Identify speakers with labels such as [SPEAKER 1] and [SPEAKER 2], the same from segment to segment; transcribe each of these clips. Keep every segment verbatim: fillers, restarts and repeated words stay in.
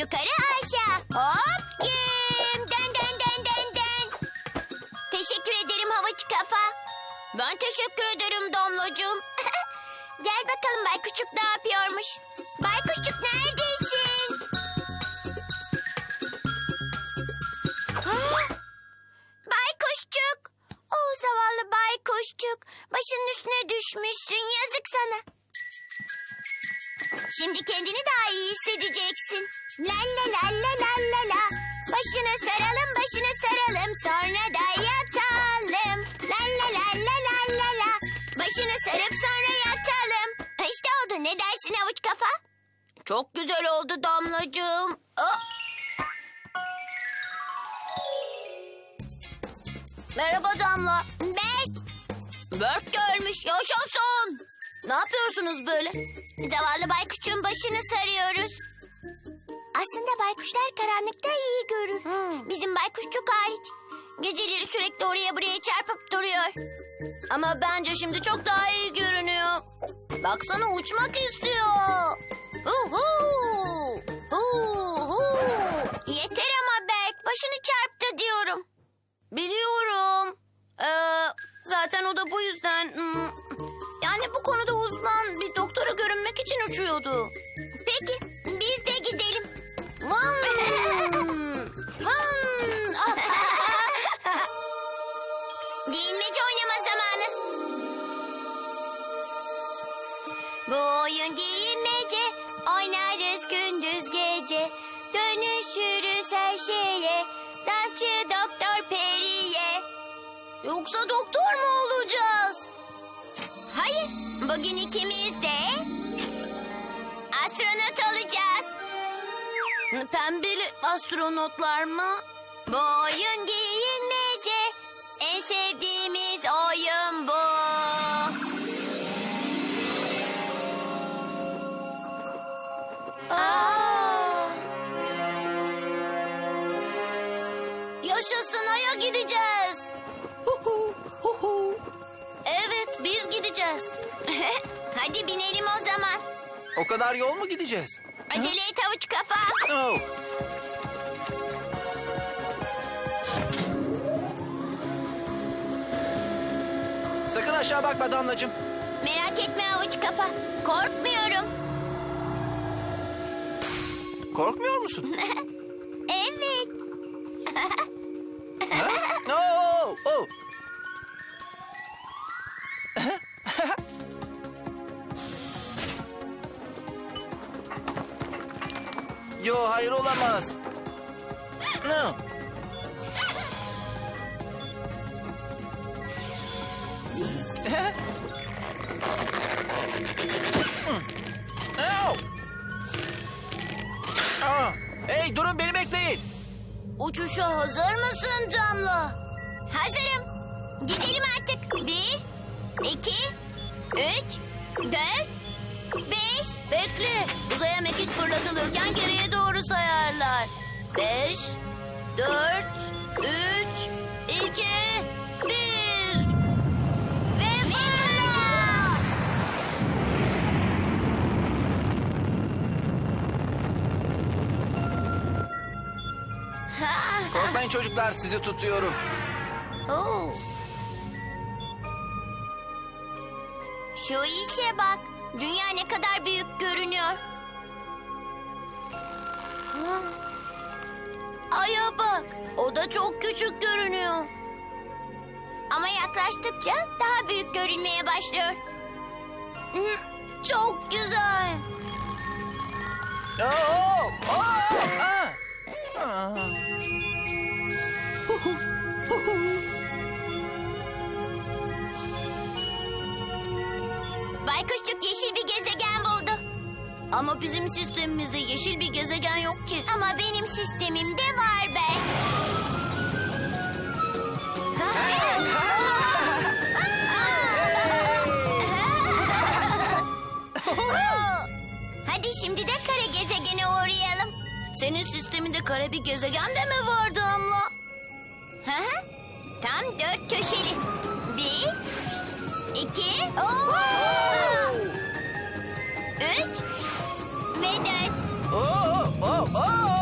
[SPEAKER 1] Yukarı aşağı. Hop kim? Dön dön dön dön dön. Teşekkür ederim Havuç Kafa. Ben teşekkür ederim Damlacığım. Gel bakalım Baykuşçuk ne yapıyormuş. Baykuşçuk neredesin? Baykuşçuk. O zavallı Baykuşçuk. Başının üstüne düşmüşsün. Yazık sana. Şimdi kendini daha iyi hissedeceksin. La la la la la la la. Başını saralım, başını saralım. Sonra da yatalım. La la la la la la la. Başını sarıp sonra yatalım. İşte oldu. Ne dersin Havuç Kafa? Çok güzel oldu Damlacığım. Oh. Merhaba Damla. Berk. Berk gelmiş. Yaşasın. Ne yapıyorsunuz böyle? Zavallı baykuşun başını sarıyoruz. Aslında baykuşlar karanlıkta iyi görür. Hmm. Bizim baykuşçuk hariç. Geceleri sürekli oraya buraya çarpıp duruyor. Ama bence şimdi çok daha iyi görünüyor. Baksana uçmak istiyor. Uhu. Uhu. Yeter ama Berk, başını çarptı diyorum. Biliyorum. Ee, zaten o da bu yüzden... Hmm, yani bu konuda uzman bir doktora görünmek için uçuyordu. Peki, biz de gidelim. Vın! Vın! Giyinmece oynama zamanı. Bu oyun giyinmece, oynarız gündüz gece. Dönüşürüz her şeye, dansçı doktor Peri'ye. Yoksa doktor mu olacağız? Hayır, bugün ikimiz de astronot olacağız. Pembeli astronotlar mı? Bu oyun giyinmece, en sevdiğimiz oyun bu. Aa! Yaşasın, Ay'a gideceğiz. Evet, biz gideceğiz. Hadi binelim o zaman.
[SPEAKER 2] O kadar yol mu gideceğiz?
[SPEAKER 1] Acele et Havuç Kafa.
[SPEAKER 2] Oh. Sakın aşağı bakma Damlacığım.
[SPEAKER 1] Merak etme Havuç Kafa. Korkmuyorum.
[SPEAKER 2] Korkmuyor musun?
[SPEAKER 1] Evet.
[SPEAKER 2] Ha? Oh, oh. Yo, hayır olamaz. No. Oh. Aa, hey durun, beni bekleyin.
[SPEAKER 1] Uçuşa hazır mısın Damla? Hazırım. Gidelim artık. Bir, iki, üç, dört, beş. Bekle. Uzaya mekik fırlatılırken geriye doğru sayarlar. Beş, dört, üç, iki, bir. Ve fırla!
[SPEAKER 2] Korkmayın çocuklar, sizi tutuyorum.
[SPEAKER 1] Oo. Şu işe bak. Dünya ne kadar büyük görünüyor. Ay'a bak. O da çok küçük görünüyor. Ama yaklaştıkça daha büyük görünmeye başlıyor. Hı, çok güzel.
[SPEAKER 2] Oh, oh, ah. Ah.
[SPEAKER 1] Baykuşçuk yeşil bir gezegen buldu. Ama bizim sistemimizde yeşil bir gezegen yok ki. Ama benim sistemimde var be. Hadi şimdi de kare gezegene uğrayalım. Senin sisteminde kare bir gezegen de mi var Damla? Hı hı. Tam dört köşeli. Bir, iki, üç ve dört.
[SPEAKER 2] Oh, oh, oh.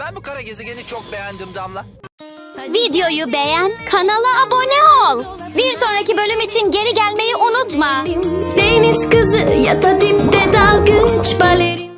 [SPEAKER 2] Ben bu kara gezegeni çok beğendim Damla.
[SPEAKER 3] Videoyu beğen, kanala abone ol. Bir sonraki bölüm için geri gelmeyi unutma.
[SPEAKER 4] Deniz kızı ya da dipte dalgıç baleri.